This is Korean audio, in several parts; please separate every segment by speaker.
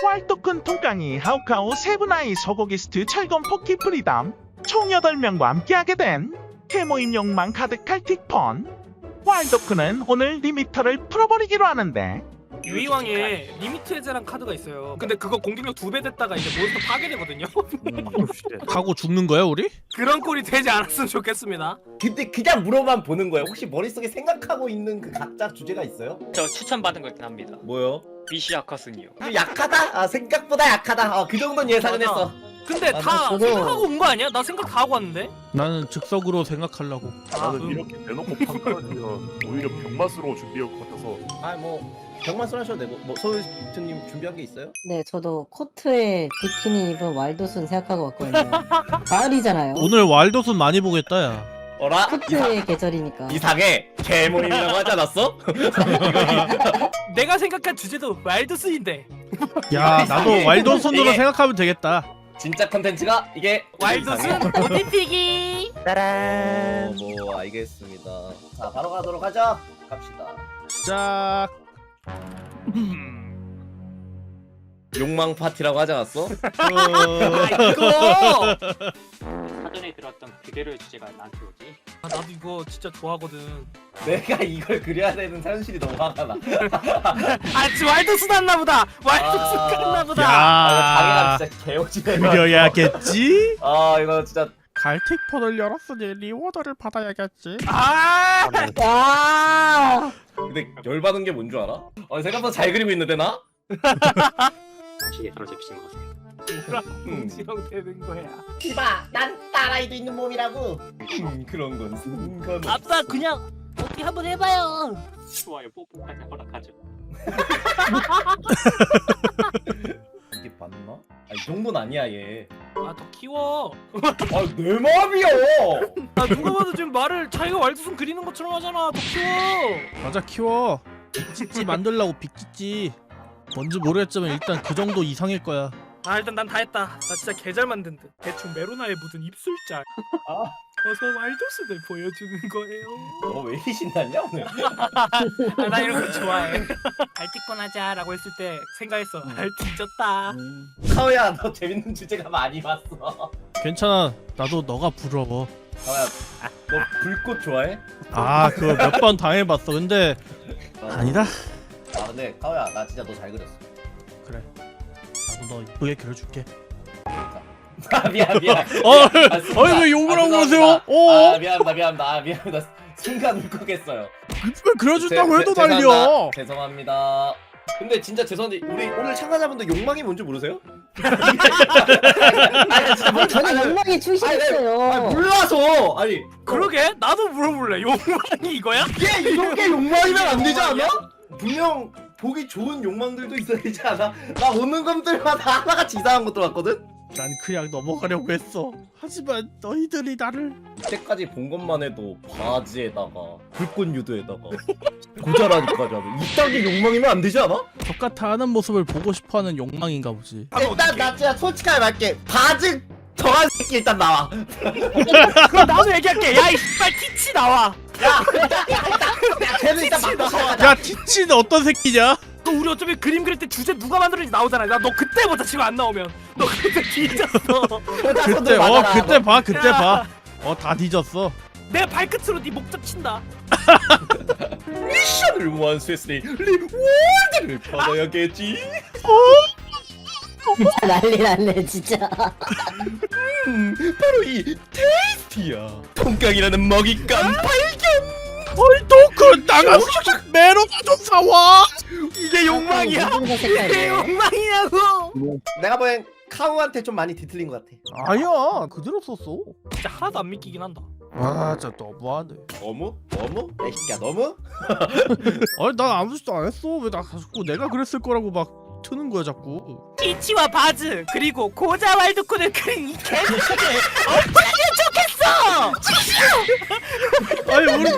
Speaker 1: 왈도큰 통깡이 하우카우 세븐아이 소고기스트 철검 포키 프리덤 총 8명과 함께하게 된 해모임 욕망 가득할 틱폰. 왈도큰은 오늘 리미터를 풀어버리기로 하는데
Speaker 2: 유이왕에 리미트 해제란 카드가 있어요. 근데 그거 공격력 2배 됐다가 이제 몬스터 파괴되거든요.
Speaker 3: 하고 죽는 거야 우리?
Speaker 2: 그런 꼴이 되지 않았으면 좋겠습니다.
Speaker 4: 근데 그냥 물어만 보는 거예요. 혹시 머릿속에 생각하고 있는 그 각자 주제가 있어요?
Speaker 5: 저 추천받은 거 있긴 합니다.
Speaker 4: 뭐요?
Speaker 5: 미시 아카슨이요.
Speaker 4: 약하다? 아 생각보다 약하다. 그 정도는 예상은
Speaker 2: 맞아.
Speaker 4: 했어.
Speaker 2: 근데 다
Speaker 4: 저도-
Speaker 2: 생각하고 온 거 아니야? 나 생각 다 하고 왔는데?
Speaker 3: 나는 즉석으로 생각하려고.
Speaker 6: 나는 이렇게 대놓고 판단하면 오히려 병맛으로 준비할 것 같아서.
Speaker 4: 뭐 병만술 하셔도 되고 뭐 소울트님 준비한 게 있어요?
Speaker 7: 네, 저도 코트에 비키니 입은 왈도순 생각하고 왔거든요. 가을이잖아요.
Speaker 3: 오늘 왈도순 많이 보겠다 야.
Speaker 4: 어라?
Speaker 7: 코트의 계절이니까.
Speaker 4: 이상해. 개모임이라고 하지 않았어?
Speaker 2: 내가 생각한 주제도 와일드스인데
Speaker 3: 야 나도
Speaker 4: 이상해.
Speaker 3: 왈도순으로
Speaker 4: 이게-
Speaker 3: 생각하면 되겠다.
Speaker 4: 진짜 컨텐츠가 이게
Speaker 2: 와일드슨 오디피기.
Speaker 4: 뭐 알겠습니다. 자 바로 가도록 하죠. 갑시다.
Speaker 3: 짝.
Speaker 4: 욕망 파티라고 하지 않았어?
Speaker 2: 이거
Speaker 5: 사전에 들었던 그대로의 주제가 나한테 오지.
Speaker 2: 나도 이거 진짜 좋아하거든.
Speaker 4: 내가 이걸 그려야 되는 현실이 너무 화가 나.
Speaker 2: 지금 와일드슨 했나 보다. 와일드슨
Speaker 4: 아.
Speaker 2: 했나 보다.
Speaker 4: 당연한
Speaker 3: 야
Speaker 4: 진짜 개오지네.
Speaker 3: 그려야겠지.
Speaker 4: 이거 진짜
Speaker 3: 갈틱폰을 열었으니 리워더를 받아야겠지.
Speaker 2: 아,
Speaker 7: 아!
Speaker 4: 근데 열받은 게 뭔 줄 알아? 생각보다 잘 그리고 있는데 나?
Speaker 5: 다시 예서로 제비신 것 같아요.
Speaker 2: 지령 되는 거야.
Speaker 4: 이봐, 난 딸아이도 있는 몸이라고. 그런 건 상관없어.
Speaker 2: 아빠 그냥 어떻게 한번 해봐요.
Speaker 5: 좋아요, 뽀뽀까지 허락하죠.
Speaker 4: 이게 맞나? 이 정도는 아니야 얘.
Speaker 2: 더 키워.
Speaker 4: 내 마음이야.
Speaker 2: 누가 봐도 지금 말을 자기가 와일드슨 그리는 것처럼 하잖아. 더 키워.
Speaker 3: 맞아 키워. 빅찌찌 만들라고 빅찌찌. 뭔지 모르겠지만 일단 그 정도 이상일 거야.
Speaker 2: 일단 난 다 했다. 나 진짜 개 잘 만든 듯. 대충 메로나에 묻은 입술짤. 어서 와일드슨을 보여주는 거예요.
Speaker 4: 너 왜 이리 신났냐 오늘?
Speaker 2: 나 이런 거 좋아해. 알티콘 하자라고 했을 때 생각했어. 뒤졌다.
Speaker 4: 카오야, 너 재밌는 주제가 많이 봤어.
Speaker 3: 괜찮아. 나도 너가 부러워.
Speaker 4: 카오야, 너 불꽃 좋아해?
Speaker 3: 아 그거 몇 번 당해봤어. 근데 아니다.
Speaker 4: 근데 카오야, 나 진짜 너 잘 그렸어.
Speaker 3: 그래. 나도 너 이쁘게 그려줄게.
Speaker 4: 미안.
Speaker 3: 왜 욕을 하고 그러세요?
Speaker 4: 미안합니다. 순간 울컥했어요.
Speaker 3: 이쁘게 그려준다고 해도
Speaker 4: 죄송합니다.
Speaker 3: 난리야.
Speaker 4: 죄송합니다. 근데 진짜 죄송한데 우리 오늘 참가자분들 욕망이 뭔지 모르세요?
Speaker 7: 저는 욕망이 출시했어요.
Speaker 4: 몰라서
Speaker 2: 그러게 나도 물어볼래. 욕망이 이거야?
Speaker 4: 이게 욕망이면 안 되지 않아? 분명 보기 좋은 욕망들도 있어야 되지 않아? 나 오는 것들마다 하나같이 이상한 것들 왔거든?
Speaker 3: 난 그냥 넘어가려고 했어. 하지만 너희들이 나를
Speaker 4: 이때까지 본 것만 해도 바지에다가 불꽃 유도에다가 고자라니까지 하고 이딴 게 욕망이면 안 되지 않아?
Speaker 3: 똑같아 하는 모습을 보고 싶어하는 욕망인가 보지.
Speaker 4: 일단 나 진짜 솔직하게 말할게. 바지 저한 새끼 일단 나와.
Speaker 2: 그럼 나도 얘기할게. 야이 씨발 티치 나와.
Speaker 4: 야 쟤는 일단 맞고 시작하자.
Speaker 3: 야 티치는 어떤 새끼냐?
Speaker 2: 너 우리 어차피 그림 그릴 때 주제 누가 만들었는지 나오잖아. 나 너 그때부터 지금 안 나오면 너 그때 뒤졌어.
Speaker 3: 그때 봐. 다 뒤졌어.
Speaker 2: 내 발끝으로 네 목젖 친다.
Speaker 4: 미션을 완수했으니 리워드를 받아야겠지.
Speaker 7: 난리 났네, 진짜.
Speaker 4: 바로 이 테이스티야. 통깡이라는 먹잇감 발견.
Speaker 3: 헐도크 나가서 메로나 좀 사와.
Speaker 2: 이게 욕망이야?
Speaker 7: 무슨
Speaker 2: 이게
Speaker 7: 색깔이에요?
Speaker 2: 욕망이냐고.
Speaker 4: 내가 보기엔 카우한테 좀 많이 뒤틀린 것 같아.
Speaker 3: 아니야 그대로 썼어.
Speaker 2: 진짜 하나도 안 믿기긴 한다.
Speaker 3: 아 진짜 너무하네.
Speaker 4: 너무? 야, 이 새끼야 너무?
Speaker 3: 아니 난 아무 짓도 안 했어. 왜 나 자꾸 내가 그랬을 거라고 막 트는 거야 자꾸.
Speaker 2: 티치와 바즈 그리고 고자 와일드콘을 그린 이 개새끼 어떻게 좋겠어?
Speaker 3: 아니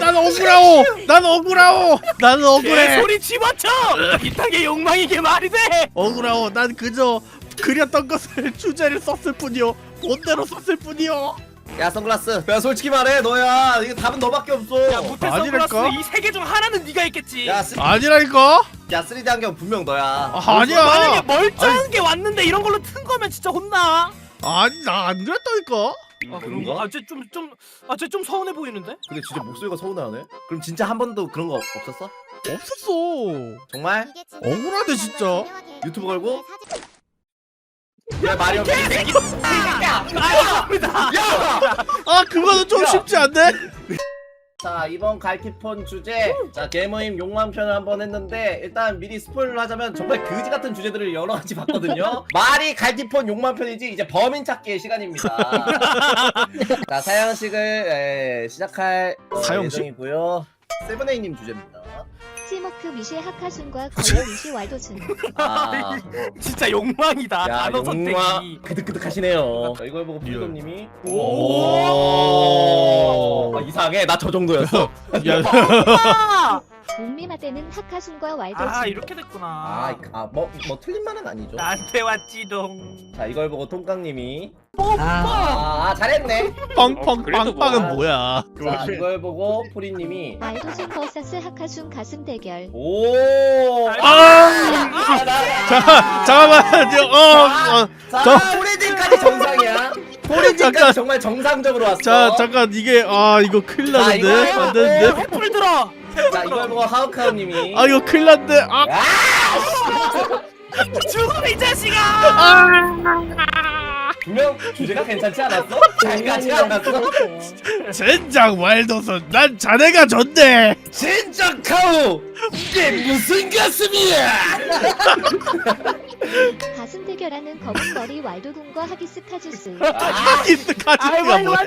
Speaker 3: 난 억울해.
Speaker 2: 소리 집어쳐. 이딴 게 욕망이게 말이 돼?
Speaker 3: 억울하오. 난 그저 그렸던 것을 주제를 썼을 뿐이요. 본대로 썼을 뿐이요.
Speaker 4: 야 선글라스. 야 솔직히 말해 너야. 이거 답은 너밖에 없어.
Speaker 2: 야 무패
Speaker 3: 아니랄까?
Speaker 2: 선글라스 이 세 개 중 하나는 네가 했겠지.
Speaker 4: 야,
Speaker 3: 아니라니까.
Speaker 4: 야 3D 안경 분명 너야.
Speaker 3: 아니야.
Speaker 2: 만약에 멀쩡한 게 맞는데 이런 걸로 튼 거면 진짜 혼나.
Speaker 3: 아니 나 안 그랬다니까.
Speaker 2: 아
Speaker 4: 그런가?
Speaker 2: 쟤 좀 서운해 보이는데?
Speaker 4: 근데 진짜 목소리가 서운하네. 그럼 진짜 한 번도 그런 거 없었어?
Speaker 3: 없었어.
Speaker 4: 정말?
Speaker 3: 억울하대 진짜.
Speaker 4: 유튜브 걸고? 야 마리오 이 새끼.
Speaker 3: 아 그거는 좀
Speaker 4: 야.
Speaker 3: 쉽지 않네.
Speaker 4: 자 이번 갈티폰 주제 자 개모임 욕망 편을 한번 했는데 일단 미리 스포일러 하자면 정말 그지 같은 주제들을 여러 가지 봤거든요. 말이 갈티폰 욕망 편이지 이제 범인 찾기의 시간입니다. 자 사형식을 시작할
Speaker 3: 사형식?
Speaker 4: 예정이고요. 세븐에이님 주제입니다.
Speaker 8: 티모크 미시 하카순과 거의 미시 왈도순.
Speaker 4: 아,
Speaker 2: 진짜 욕망이다.
Speaker 4: 야
Speaker 2: 단어
Speaker 4: 욕망
Speaker 2: 선택이.
Speaker 4: 그득그득하시네요. 자, 이걸 보고 피도님이
Speaker 3: 오.
Speaker 4: 이상해 나 저 정도였어.
Speaker 3: 야.
Speaker 2: 아,
Speaker 8: 옥미마 때는 하카순과 왈도순.
Speaker 2: 아 이렇게 됐구나.
Speaker 4: 뭐 틀린 말은 아니죠.
Speaker 2: 나한테 왔지롱.
Speaker 4: 자 이걸 보고 통깡님이
Speaker 7: 아,
Speaker 4: 잘했네.
Speaker 3: 빵빵
Speaker 5: 그래도 뭐.
Speaker 3: 빵빵은 뭐야?
Speaker 4: 자 이걸 보고 포리님이
Speaker 8: 왈도순 vs 하카순 가슴 대결.
Speaker 4: 오.
Speaker 3: 잠깐만요.
Speaker 4: 자 포리님까지 정상이야. 포리님까지
Speaker 3: 잠깐.
Speaker 4: 정말 정상적으로 왔어.
Speaker 3: 자 잠깐 이게 이거 큰일 나는데
Speaker 4: 이거
Speaker 3: 안 되는데.
Speaker 2: 횃불 들어.
Speaker 4: 자 이걸 보고 하우카우님이
Speaker 3: 이거 큰일 났는데.
Speaker 2: 죽어 이 자식아.
Speaker 4: 분명 주제가 괜찮지 않았어? 잘 가지 않았어?
Speaker 3: 젠장 왈도선 난 자네가 좋네.
Speaker 4: 진짜 카우 이게 무슨 가슴이야?
Speaker 8: 가슴 대결하는 검은 머리 왈도군과 하기스 카즈스.
Speaker 3: 하기스 카즈가 뭐야?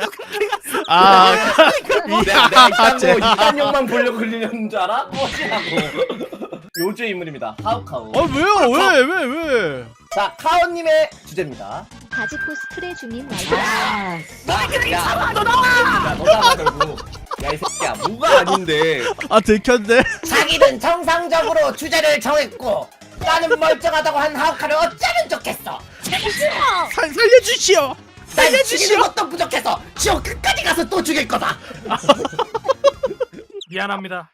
Speaker 4: 내가 이딴
Speaker 3: 쟤.
Speaker 4: 거 이딴 욕만 보려고 흘리는 줄 알아? 뭐지라고. 요주 인물입니다. 하우카우.
Speaker 3: 왜요? 왜?
Speaker 4: 자 카오님의 주제입니다.
Speaker 8: 바지 코스프레 중인 왈도순.
Speaker 7: 아,
Speaker 4: 야 너다 결국. 야 이 새끼야 뭐가 아닌데.
Speaker 3: 들켰네.
Speaker 4: 자기는 정상적으로 주제를 정했고 나는 멀쩡하다고 한 하우카를 어쩌면 좋겠어.
Speaker 3: 살려주시오.
Speaker 4: 날 죽이는 것도 부족해서 지옥 끝까지 가서 또 죽일 거다.
Speaker 2: 미안합니다.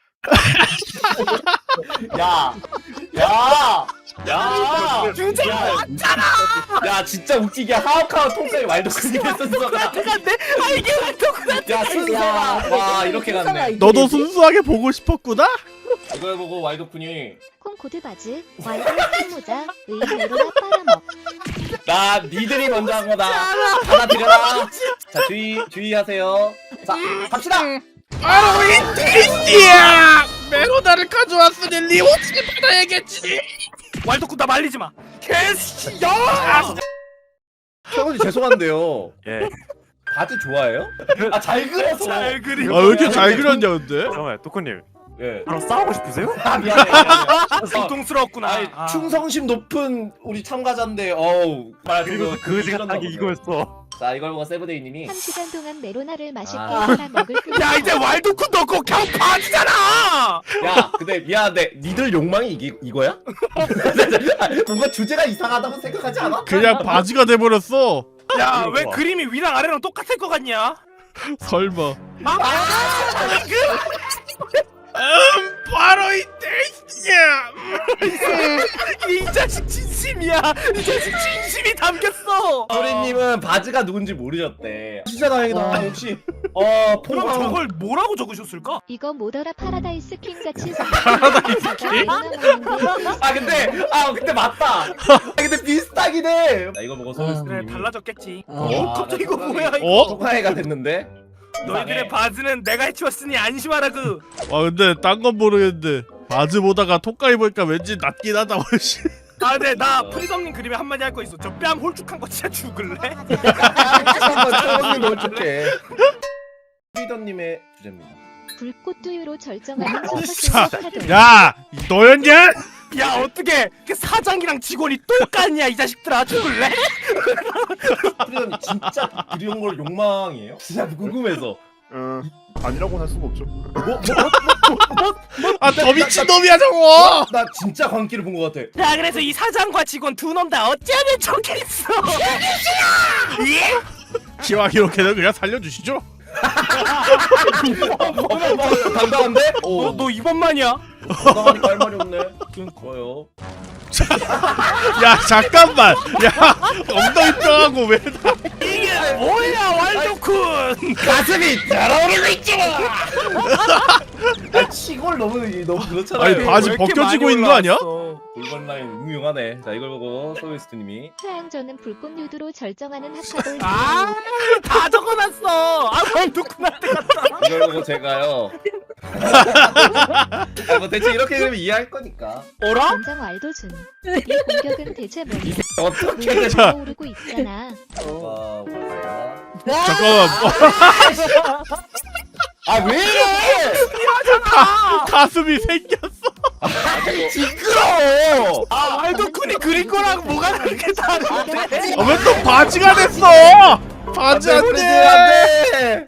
Speaker 4: 주제 야 진짜 웃기게 하우카와 통까지 말도 크게 했었어.
Speaker 2: 근데 이게 왈도군.
Speaker 4: 야 순서가 와 이렇게 갔네.
Speaker 3: 너도 순수하게 보고 싶었구나?
Speaker 4: 이걸 보고 와이도쿤이
Speaker 8: 콩코드 바지 왈도 모자 의외로 빨아먹.
Speaker 4: 나 니들이 먼저 한 거다. 하나 드려라. 자 주의하세요. 자 갑시다.
Speaker 3: 바로 이 트리스티야! 메로나를 가져왔으니 리워치 받아야겠지.
Speaker 2: 왈도군 나 말리지 마. 개씨야.
Speaker 4: 태원이 죄송한데요.
Speaker 6: 예.
Speaker 4: 바지 좋아해요? 아 잘 그려서.
Speaker 2: 잘 그림.
Speaker 3: 왜 이렇게 잘 그렸냐 근데?
Speaker 6: 잠깐만 토크님
Speaker 4: 예.
Speaker 6: 바로 싸우고 싶으세요?
Speaker 4: 미안해.
Speaker 2: 고통스러웠구나.
Speaker 4: 아니 충성심 높은 우리 참가자인데 어우
Speaker 6: 그리고 그지가 딱 이거였어.
Speaker 4: 자 이걸 보고 세브데이님이
Speaker 8: 1시간 동안 메로나를 맛있게
Speaker 4: 아.
Speaker 8: 하나 먹을 뿐.
Speaker 2: 야 이제 왈도군 넣고 그냥 바지잖아.
Speaker 4: 야 근데 미안한데 니들 욕망이 이거야? 뭔가 주제가 이상하다고 생각하지 않아?
Speaker 3: 그냥 바지가 돼버렸어.
Speaker 2: 야 왜
Speaker 6: 좋아.
Speaker 2: 그림이 위랑 아래랑 똑같을 것 같냐?
Speaker 3: 설마. 바로 이 트리스티야!
Speaker 2: 이 자식 진심이야. 이 자식 진심이 담겼어.
Speaker 4: 소리님은 바지가 누군지 모르셨대. 진짜 다행이다.
Speaker 7: 와.
Speaker 4: 역시
Speaker 2: 그럼
Speaker 4: 포항
Speaker 2: 저걸 뭐라고 적으셨을까?
Speaker 8: 이거 모더라 파라다이스 킹 같이
Speaker 3: 파라다이스 킹?
Speaker 4: 근데 맞다. 근데 비슷하긴 해. 자 이거 보고
Speaker 2: 그래
Speaker 4: 소리님이
Speaker 2: 달라졌겠지.
Speaker 7: 어?
Speaker 2: 갑자기 이거 뭐야 이거.
Speaker 3: 어?
Speaker 4: 소가해가 됐는데.
Speaker 2: 너희들의 바지는 내가 해치웠으니 안심하라 그.
Speaker 3: 근데 딴 건 모르겠는데 바지 보다가 톡까이 보니까 왠지 낫긴 하다 훨씬.
Speaker 2: 근데 나 프리덤님 그림에 한마디 할 거 있어. 저 뺨 홀쭉한 거 진짜 죽을래?
Speaker 4: 한번 너무 좋게. 프리덤님의 주제입니다.
Speaker 8: 불꽃 두유로 절정하는
Speaker 3: 진짜.
Speaker 8: 슈퍼스타들.
Speaker 3: 야! 너였냐?
Speaker 2: 야 어떻게 사장이랑 직원이 똑같냐 이 자식들아 죽을래?
Speaker 4: 프리덤님 진짜 그리운 걸 욕망이에요? 진짜 궁금해서.
Speaker 6: 아니라고는 할 수가 없죠.
Speaker 3: 더 미친놈이야 저거!
Speaker 4: 나 진짜 광기를 본 것 같아.
Speaker 2: 야 그래서 이 사장과 직원 두 놈 다 어쩌면 좋겠어. 예?
Speaker 3: 기왕이렇게는 그냥 살려주시죠.
Speaker 4: 당당한데?
Speaker 2: 너 이번만이야?
Speaker 4: 당당하니까 할 말이 없네. 좋아요.
Speaker 3: 야 잠깐만. 야 엉덩이 뼈하고 왜?
Speaker 2: 이게 뭐야 왈도쿤.
Speaker 4: 가슴이 달아오르고 있잖아. 아 치골 너무 그렇잖아요.
Speaker 3: 아니 바지 벗겨지고 있는 거 아니야?
Speaker 4: 골반 라인 음흉하네. 자 이걸 보고 소비스트님이
Speaker 8: 태양저는 불꽃 누드로 절정하는 합합을
Speaker 2: 다 적어놨어. 아 왈도쿤한테 갔다.
Speaker 4: 이걸 보고 제가요. 뭐 대체 이렇게 그러면 이해할 거니까.
Speaker 2: 어라?
Speaker 8: 전장 왈도준. 이 공격은 대체 뭐냐?
Speaker 4: 어떻게
Speaker 8: 물이
Speaker 3: 자.
Speaker 8: 오르고 있잖아.
Speaker 3: 잠깐만.
Speaker 4: 아왜 이래?
Speaker 3: 가슴이 생겼어.
Speaker 4: 시끄러워.
Speaker 2: 아 왈도쿤이 그린 거랑 뭐가 그렇게 다른데?
Speaker 3: 왜 또 바지가 됐어? 바지 안 돼.
Speaker 4: 안돼.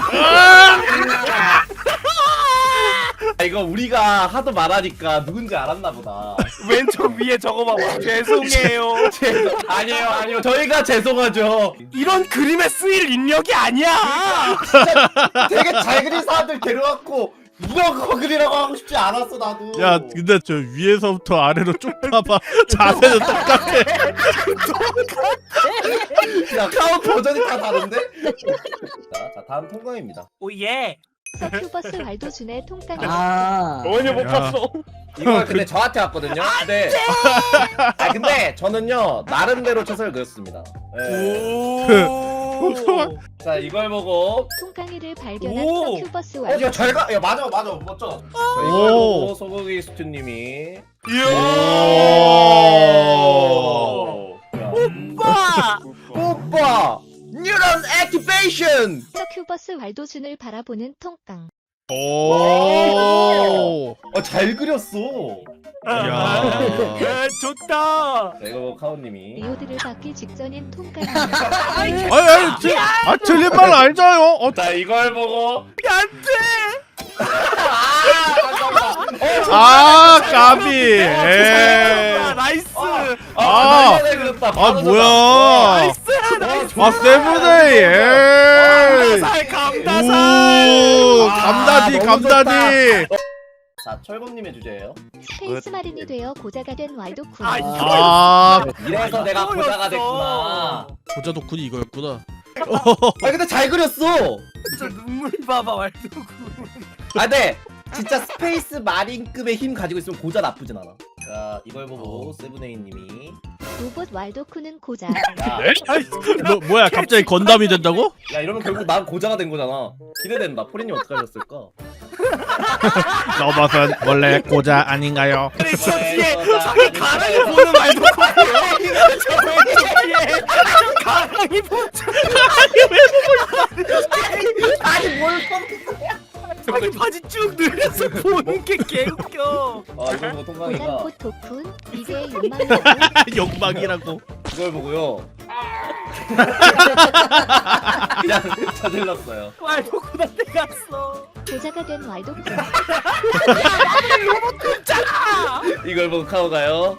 Speaker 4: 아, 이거 우리가 하도 말하니까 누군지 알았나 보다.
Speaker 2: 왼쪽 위에 적어봐봐. 죄송해요.
Speaker 4: 아니에요. 저희가 죄송하죠.
Speaker 2: 이런 그림에 쓰일 인력이 아니야.
Speaker 4: 되게 잘 그린 사람들 데려왔고 이런 거 그리라고 하고 싶지 않았어 나도.
Speaker 3: 야 근데 저 위에서부터 아래로 쭉 봐봐. 자세는 똑같아.
Speaker 4: 야 카운 버전이 다 다른데? 자 다음 통과입니다.
Speaker 2: 오예.
Speaker 8: 서큐버스 왈도준의 통깡이
Speaker 7: 아.
Speaker 6: 너희는 못
Speaker 3: 야.
Speaker 6: 봤어.
Speaker 4: 이거 근데 저한테 왔거든요. 근데 저는요 나름대로 최선을 그렸습니다. 네. 자 이걸 보고
Speaker 8: 통깡이를 발견한
Speaker 2: 오.
Speaker 8: 서큐버스 왈도
Speaker 4: 야 잘가. 야 맞아 멋져. 자, 이걸
Speaker 3: 오.
Speaker 4: 보고 소고기 스튜님이
Speaker 2: 오빠.
Speaker 4: 오빠 뉴런 액티베이션.
Speaker 8: 서큐버스 왈도준을 바라보는 통깡.
Speaker 3: 오.
Speaker 4: 잘 그렸어.
Speaker 3: 야.
Speaker 2: 좋다.
Speaker 4: 자 이걸 보고 카운님이
Speaker 8: 리오드를 받기 직전인 통깡이.
Speaker 3: 아니 틀린 말 알잖아요.
Speaker 4: 자 이걸 보고
Speaker 3: 아 까비. 에이.
Speaker 2: 나이스.
Speaker 4: 잘 그렸다.
Speaker 3: 아
Speaker 4: 바로
Speaker 3: 뭐야?
Speaker 2: 나이스.
Speaker 3: 아 세븐데이. 에이.
Speaker 2: 감다살.
Speaker 3: 오
Speaker 4: 아,
Speaker 3: 감다디
Speaker 4: 너무
Speaker 3: 감다디.
Speaker 4: 자 철범님의 주제예요.
Speaker 8: 스페이스 마린이 되어 고자가 된 왈도쿤.
Speaker 3: 아
Speaker 4: 이래서 내가 고자가 됐구나.
Speaker 3: 고자 덕분이 이거였구나.
Speaker 4: 아 근데 잘 그렸어.
Speaker 2: 진짜 눈물 봐봐 왈도쿤.
Speaker 4: 아 근데 진짜 스페이스 마린급의 힘 가지고 있으면 고자 나쁘진 않아. 자 이걸 보고 세븐에이님이
Speaker 8: 로봇 왈도쿤은 고자.
Speaker 3: 뭐야 갑자기 건담이 된다고?
Speaker 4: 야 이러면 결국 난 고자가 된 거잖아. 기대된다. 포린님 어떻게 하셨을까?
Speaker 3: 로봇은 원래 고자 아닌가요?
Speaker 2: 그래 저 뒤에 저기 가랑이 보는 왈도쿤. 가랑이 보는.
Speaker 4: 아니 뭘
Speaker 2: 자기 바지 쭉 늘려서 보는 게 개웃겨.
Speaker 4: 아 이걸 보고 통광이가
Speaker 8: 고장꽃 도쿤 미래의 욕망이라고.
Speaker 3: 욕망이라고.
Speaker 4: 이걸 보고요. 그냥 저질렀어요.
Speaker 2: 왈도쿤한테 갔어.
Speaker 8: 고자가 된 왈도쿤.
Speaker 4: 이걸 보고 카오가요.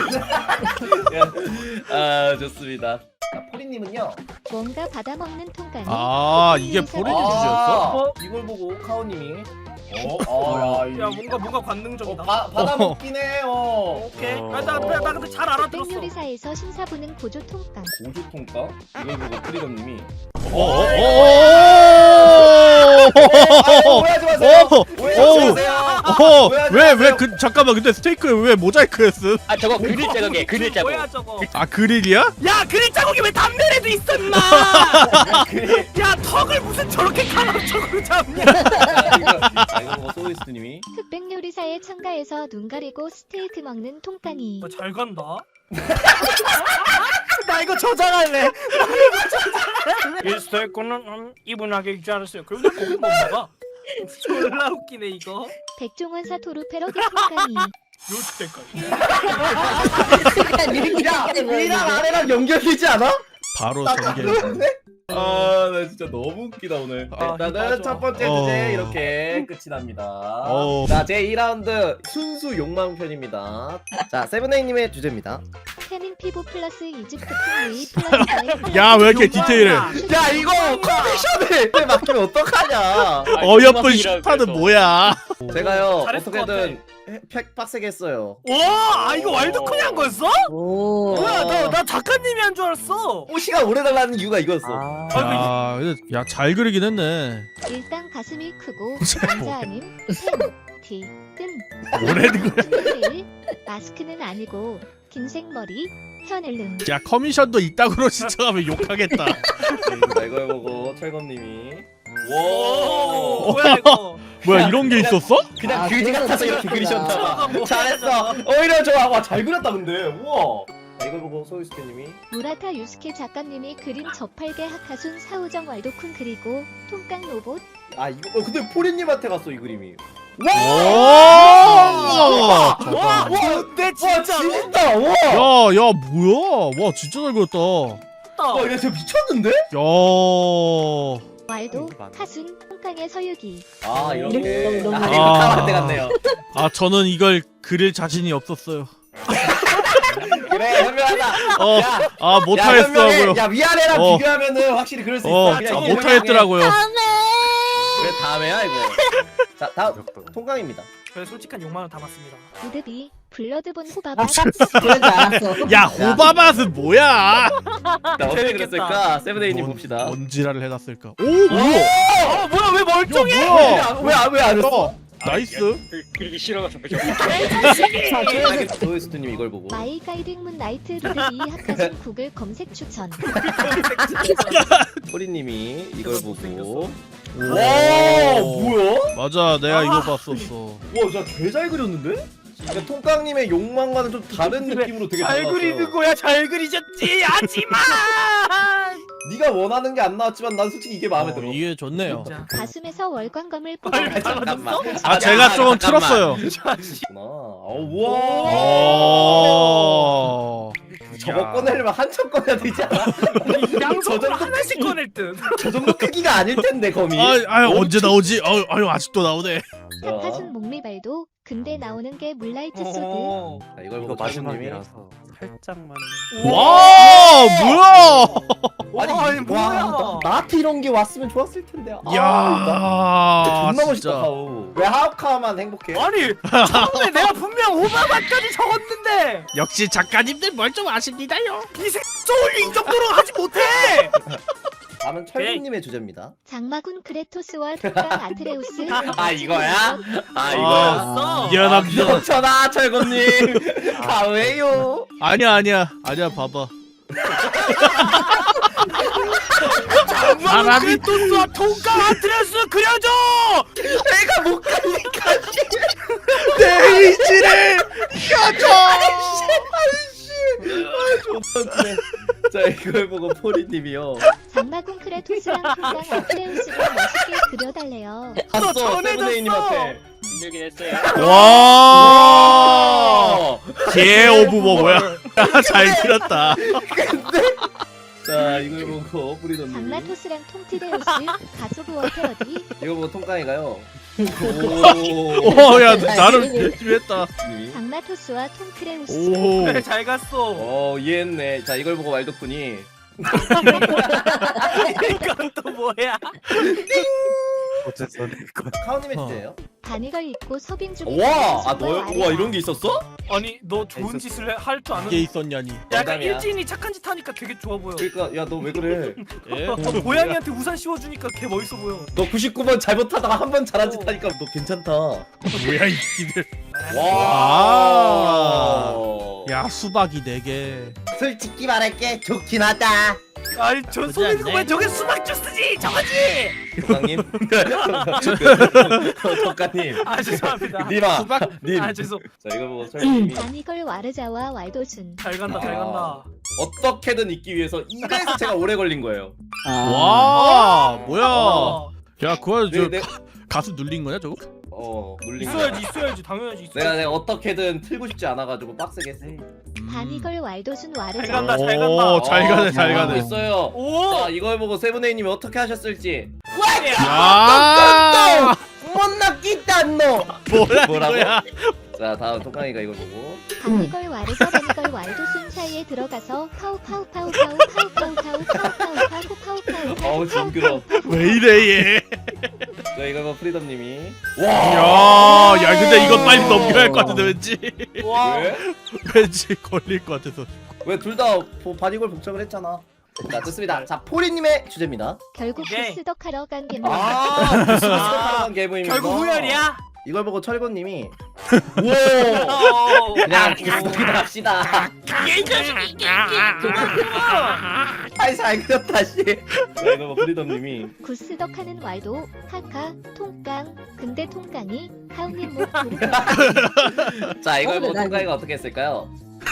Speaker 4: 아 좋습니다. 자 포린님은요.
Speaker 8: 뭔가 받아먹는 통깡이.
Speaker 3: 아 이게 포린 주제였어?
Speaker 4: 이걸 보고 카오님이
Speaker 2: 야 뭔가 관능적이다.
Speaker 4: 받아먹긴 해요.
Speaker 2: 오케이. 나 근데 잘 알아들었어.
Speaker 8: 백요리사에서 심사부는 고조 통깡.
Speaker 4: 고주통과 이걸 보고 프리덤님이 오해하지 마세요. 오해하지 마세요.
Speaker 3: 왜왜 그 잠깐만 근데 스테이크에 왜 모자이크 했음?
Speaker 5: 아 저거 그릴 자국이에요. 그릴 자국.
Speaker 2: 뭐야 저거?
Speaker 3: 아 그릴이야?
Speaker 2: 야 그릴 자국이 왜 담배에도 있어 임마! 야 턱을 무슨 저렇게 가로쪽으로 잡냐?
Speaker 4: 이거 보고 소이스님이
Speaker 8: 흑백요리사의 창가에서 눈 가리고 스테이크 먹는 통깡이.
Speaker 2: 잘 간다. 나 이거 저장할래. 이 스테이크는 이분하게 익지 않았어요. 그런데 고기 못 먹어. 졸라 웃기네 이거.
Speaker 8: 백종원 사토루 패러디 통깡이.
Speaker 2: 요 때까지.
Speaker 4: 위랑 아래랑 연결되지 않아?
Speaker 3: 바로
Speaker 4: 나
Speaker 3: 전개.
Speaker 4: 그런데? 아나 진짜 너무 웃기다 오늘.
Speaker 2: 아,
Speaker 4: 일단은
Speaker 2: 맞아.
Speaker 4: 첫 번째 주제 이렇게 끝이 납니다. 자 제 2라운드 순수 욕망 편입니다. 자 세븐에이님의 주제입니다.
Speaker 8: 태민 피부 플러스 이집트 풍미 플러스
Speaker 3: 야 왜 이렇게 디테일해?
Speaker 4: 야 이거 컨디션을 막히면 어떡하냐?
Speaker 3: 어여쁜 슈타는 뭐야?
Speaker 4: 제가요
Speaker 2: 잘했을 것
Speaker 4: 어떻게든 팩 빡세게 했어요.
Speaker 2: 와, 이거 왈도쿤이 한 거였어?
Speaker 7: 오.
Speaker 2: 뭐야, 나 작가님이 한 줄 알았어.
Speaker 4: 시간 오래 달라는 이유가 이거였어.
Speaker 3: 야잘 그리긴 했네.
Speaker 8: 일단 가슴이 크고
Speaker 3: 뭐.
Speaker 8: 남자 아님 팬티 끈
Speaker 3: 뭐라는 거야?
Speaker 8: 마스크는 아니고 긴 생머리 현을름
Speaker 3: 야 커미션도 이따구로 신청하면 욕하겠다.
Speaker 4: 자, 이걸 보고 철검님이
Speaker 2: 오, 뭐야 이거?
Speaker 3: 뭐야 이런 게 있었어?
Speaker 4: 그냥
Speaker 7: 아,
Speaker 4: 그지
Speaker 7: 그래서
Speaker 4: 같아서 이렇게
Speaker 7: 그렸구나.
Speaker 4: 그리셨나봐. 잘했어. 오히려 좋아. 와, 잘 그렸다 근데. 우와. 자, 이걸 보고 소유스케님이
Speaker 8: 무라타 유스케 작가님이 그린 저팔계 하카순 사우정 왈도쿤 그리고 통깡 로봇
Speaker 4: 아 이거 근데 포리님한테 갔어 이 그림이.
Speaker 3: 오!
Speaker 2: 와, 근데
Speaker 4: 와
Speaker 2: 진짜.
Speaker 4: 진짜. 와.
Speaker 3: 야 뭐야? 와 진짜 잘 그렸다.
Speaker 4: 와 얘 진짜 미쳤는데?
Speaker 3: 야.
Speaker 8: 왈도 카순 통깡의 서유기
Speaker 4: 아 이렇게.
Speaker 7: 너무
Speaker 4: 아 이거 카한테 갔네요.
Speaker 3: 아 저는 이걸 그릴 자신이 없었어요.
Speaker 4: 그래 현명하다. 야,
Speaker 3: 아
Speaker 4: 야,
Speaker 3: 못하겠더라고요.
Speaker 4: 현명해. 야 위아래랑
Speaker 3: 어.
Speaker 4: 비교하면은 확실히 그럴 수 있어. 그냥 이거
Speaker 3: 못하겠더라고요.
Speaker 4: 그래 다음에야 이거. 자 다음 통깡입니다.
Speaker 2: 저의 솔직한 욕망을 담았습니다.
Speaker 8: 우드비 블러드본 호밥
Speaker 7: 그런 줄 알았어.
Speaker 3: 야 호바 맛은 뭐야?
Speaker 4: 자 어떻게
Speaker 2: 재밌겠다.
Speaker 4: 그랬을까? 세븐데이님 봅시다.
Speaker 3: 뭔 지랄을 해놨을까? 오 뭐야?
Speaker 2: 뭐야 왜 멀쩡해?
Speaker 3: 야 뭐야?
Speaker 4: 왜안 했어?
Speaker 3: 나이스.
Speaker 5: 그리기 싫어가지고
Speaker 4: 소유스트님 이걸 보고.
Speaker 8: 마이 가이딩 문 나이트 루드비 하카순 구글 검색 추천
Speaker 4: 소리님이 이걸 보고.
Speaker 3: 와
Speaker 4: 뭐야?
Speaker 3: 맞아 내가 이거 봤었어.
Speaker 4: 와, 진짜 개 잘 그렸는데? 그러니까 통깡님의 욕망과는 좀 다른 느낌으로 되게
Speaker 2: 잘
Speaker 4: 나왔어요.
Speaker 2: 그리는 거야, 잘 그리셨지. 하지마.
Speaker 4: 네가 원하는 게 안 나왔지만 난 솔직히 이게 마음에 들어.
Speaker 3: 이게 좋네요.
Speaker 2: 진짜.
Speaker 8: 가슴에서 월광검을
Speaker 2: 아,
Speaker 8: 뽑아
Speaker 4: 잠깐만.
Speaker 3: 아 제가 조금 틀었어요.
Speaker 4: 우와.
Speaker 3: 오.
Speaker 4: 저거 꺼내려면 한참 꺼내야 되지 않아?
Speaker 2: 양손으로 하나씩 꺼낼 듯.
Speaker 4: 저 정도 크기가 아닐 텐데 거미.
Speaker 3: 언제 나오지? 아유 아직도 나오네.
Speaker 8: 하카순 목리발도 근데 나오는 게 물라이트 소드
Speaker 4: 자, 이걸 보고 마지막이라서.
Speaker 6: 살짝만.
Speaker 3: 와 뭐야?
Speaker 2: 아니 뭐야?
Speaker 4: 나한테 이런 게 왔으면 좋았을 텐데.
Speaker 3: 야
Speaker 4: 존나 멋있다.
Speaker 3: 진짜.
Speaker 4: 하우. 왜 하우카만 행복해?
Speaker 2: 아니 처음에 내가 분명 오바마까지 적었는데
Speaker 3: 역시 작가님들 뭘 좀 아십니다요.
Speaker 2: 이색 소울 이 정도로 하지 못해.
Speaker 4: 다음은 철구님의 주제입니다.
Speaker 8: 장마군 크레토스와 통깡 아트레우스
Speaker 4: 아 이거야? 아
Speaker 2: 이거였어?
Speaker 3: 미안합니다.
Speaker 4: 그렇잖아 철구님. 가왜요?
Speaker 3: 아니야 봐봐.
Speaker 2: 장마군 크레토스와 통깡 아트레우스 그려줘.
Speaker 4: 내가 못 가니까.
Speaker 3: 내 의지를 펴줘.
Speaker 4: 자 이걸 보고 포리님이요.
Speaker 8: 장마군 크레토스랑 통깡 아트레우스를 멋있게 그려달래요
Speaker 4: 봤어
Speaker 2: 전해졌어.
Speaker 4: 세븐데이님한테.
Speaker 5: 힘들긴 했어요.
Speaker 3: 와. 개 오브버 뭐야? 잘 그렸다.
Speaker 4: 자 이걸 보고 포리노님.
Speaker 8: 장마토스랑 통티데우스 가소부어 패러디
Speaker 4: 이거 보고 통깡이가요.
Speaker 3: 오야 나름 열심히 했다.
Speaker 8: 장마토스와 통크레우스
Speaker 3: 오.
Speaker 2: 그래 잘 갔어.
Speaker 4: 이해했네. 자 이걸 보고 왈도쿤이.
Speaker 2: 이건 또 뭐야?
Speaker 6: 어쨌든 이거.
Speaker 4: 카오님의 주제예요.
Speaker 8: 바니걸 입고 서빙 중인
Speaker 4: 와,
Speaker 8: 손과
Speaker 4: 너야?
Speaker 8: 아래가.
Speaker 4: 와 이런 게 있었어?
Speaker 2: 아니 너 좋은 짓을 할 줄 아는.
Speaker 3: 이게 있었냐니.
Speaker 2: 약간
Speaker 4: 농담이야.
Speaker 2: 일진이 착한 짓 하니까 되게 좋아 보여.
Speaker 4: 그러니까 야 너 왜 그래?
Speaker 3: 예?
Speaker 2: 고양이한테 우산 씌워주니까 개 멋있어 보여.
Speaker 4: 너 99번 잘못하다가 한 번 잘한 짓 하니까 너 괜찮다.
Speaker 3: 뭐야 이 끼들.
Speaker 4: 와.
Speaker 3: 야 수박이 4개.
Speaker 4: 솔직히 말할게 좋긴 하다.
Speaker 2: 아니 저 소리 듣고 왜 저게 수박 주스지 저거지.
Speaker 4: 부장님. 덕가님.
Speaker 2: 아 죄송합니다.
Speaker 4: 님아.
Speaker 3: 수박?
Speaker 4: 님.
Speaker 2: 아 죄송.
Speaker 4: 자 이거 보고 설님이
Speaker 8: 바니걸 와르자와 왈도순
Speaker 2: 잘 간다 잘 간다.
Speaker 4: 어떻게든 있기 위해서 이래서 제가 오래 걸린 거예요.
Speaker 3: 와 뭐야?
Speaker 2: 어.
Speaker 3: 야 그거 저
Speaker 4: 네.
Speaker 3: 가수 눌린 거냐 저거?
Speaker 4: 눌린
Speaker 2: 있어야지 당연하지 있어야지.
Speaker 4: 내가 어떻게든 틀고 싶지 않아가지고 빡세게 했어.
Speaker 8: 바니걸 왈도순
Speaker 2: 잘
Speaker 8: 와르자
Speaker 2: 간다 잘 간다.
Speaker 3: 오, 잘 가네 잘
Speaker 4: 하고
Speaker 3: 가네.
Speaker 4: 있어요.
Speaker 2: 오.
Speaker 4: 자 이걸 보고 세븐에이님이 어떻게 하셨을지.
Speaker 3: 야
Speaker 4: 못나 끼다 너.
Speaker 3: 뭐라는
Speaker 4: 뭐라고?
Speaker 3: 거야?
Speaker 4: 자 다음 통깡이가 이걸 보고.
Speaker 8: 바니걸 와르자 바니걸 왈도순 사이에 들어가서 파우 파우 파우 파우 파우 파우 파우 파우 파우 파우 파우 파우
Speaker 4: 어우 징그러.
Speaker 3: 왜 이래 얘?
Speaker 4: 자 이거 프리덤님이.
Speaker 3: 야 근데 이거 빨리 넘겨야 할 것 같은데 왠지
Speaker 2: 와.
Speaker 4: 왜?
Speaker 3: 왠지 걸릴 것 같아서.
Speaker 4: 왜 둘 다 바디골 복장을 했잖아. 자 좋습니다. 자 포리님의 주제입니다.
Speaker 8: 결국
Speaker 2: 오케이.
Speaker 8: 부스덕하러 간 개모임.
Speaker 4: 무슨 게임입니다.
Speaker 2: 결국 후열이야?
Speaker 4: 이걸 보고 철권님이 우와 그냥 계속이다 합시다. 아이 잘 그렸다 씨. 자 이거 뭐 프리덤님이
Speaker 8: 구스덕하는 왈도 하카 통깡. 근데 통깡이 하우님 목 부르고
Speaker 4: 자 이걸 보고
Speaker 7: 나
Speaker 4: 통가이가 어떻게 했을까요?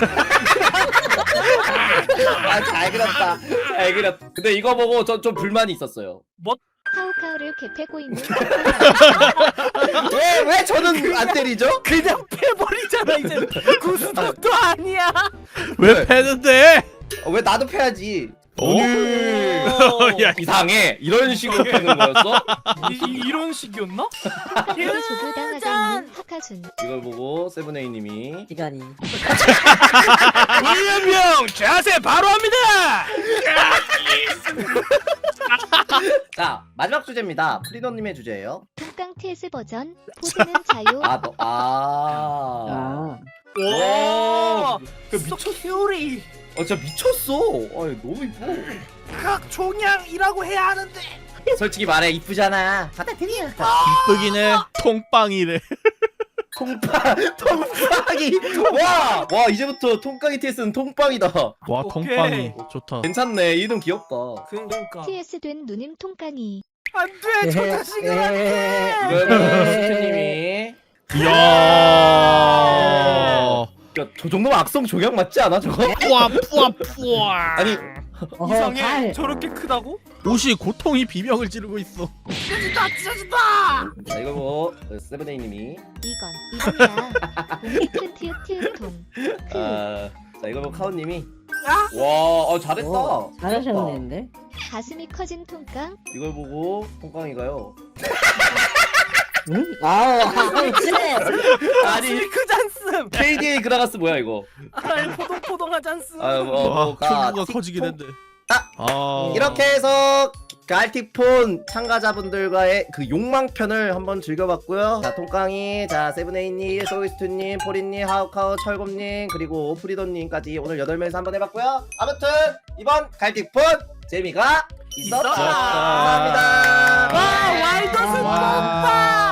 Speaker 4: 아 잘 그렸다. 잘 그렸다. 근데 이거 보고 전 좀 불만이 있었어요.
Speaker 8: 카우카우를 개패고 있는
Speaker 4: 왜 저는 안 때리죠?
Speaker 2: 그냥 패버리잖아 이제. 구스덕도 아니야.
Speaker 3: 왜 패는데?
Speaker 4: 왜 나도 패야지.
Speaker 3: 오? 야,
Speaker 4: 이상해. 이런 식으로 패는 거였어?
Speaker 2: 이런 식이었나?
Speaker 8: 하카를 조교당하고 있는 하카순.
Speaker 4: 이걸 보고 세븐에이님이
Speaker 7: 시간이.
Speaker 2: william 자세 바로 합니다.
Speaker 4: 자 마지막 주제입니다. 프리덤님의 주제예요.
Speaker 8: 통깡 TS 버전. 포즈는 자유.
Speaker 7: 아.
Speaker 2: 와.
Speaker 4: 그
Speaker 2: 미쳤. 큐리.
Speaker 4: 진짜 미쳤어. 아니 너무 이뻐.
Speaker 2: 각 종양이라고 해야 하는데.
Speaker 4: 솔직히 말해 이쁘잖아. 받아들여.
Speaker 3: 이쁘긴 해. 통빵이래.
Speaker 4: 통빵이. 와 이제부터 통깡이 TS는 통빵이다.
Speaker 3: 와
Speaker 2: 오케이.
Speaker 3: 통빵이 좋다.
Speaker 4: 괜찮네. 이름 귀엽다.
Speaker 2: 그러니까.
Speaker 8: TS 된 누님 통깡이.
Speaker 2: 안돼 저 자식은 안돼.
Speaker 4: 이거는 스튜님이.
Speaker 3: 이야.
Speaker 4: 야, 저 정도면 악성 종양 맞지 않아 저거?
Speaker 3: 뿌아.
Speaker 4: 아니
Speaker 2: 이상해.
Speaker 7: 발.
Speaker 2: 저렇게 크다고?
Speaker 3: 옷이 고통이 비명을 지르고 있어.
Speaker 4: 자 이거 뭐 세븐에이님이.
Speaker 8: 이건이야. 큰 티읕 티읕통.
Speaker 4: 자 이거 뭐 카오님이.
Speaker 2: 야?
Speaker 4: 와 잘했다.
Speaker 7: 오, 잘하셨는데.
Speaker 8: 가슴이 커진 통깡.
Speaker 4: 이걸 보고 통깡이가요.
Speaker 7: 응? 아우 그래.
Speaker 4: 아니
Speaker 2: 크잔스.
Speaker 4: KDA 그라가스 뭐야 이거?
Speaker 2: 아이 포동포동하잔스.
Speaker 3: 와 큐브가 커지긴 했네.
Speaker 4: 이렇게 해서 갈틱폰 참가자분들과의 그 욕망편을 한번 즐겨봤고요. 자 통깡이, 자 세븐에이님, 소이스트님, 포리님, 하우카우, 철곰님, 그리고 프리돈님까지 오늘 8명이서 한번 해봤고요. 아무튼 이번 갈틱폰 재미가 있었다.
Speaker 2: 있었다.
Speaker 4: 감사합니다.
Speaker 2: 와 와이더스
Speaker 3: 와.
Speaker 2: pompa.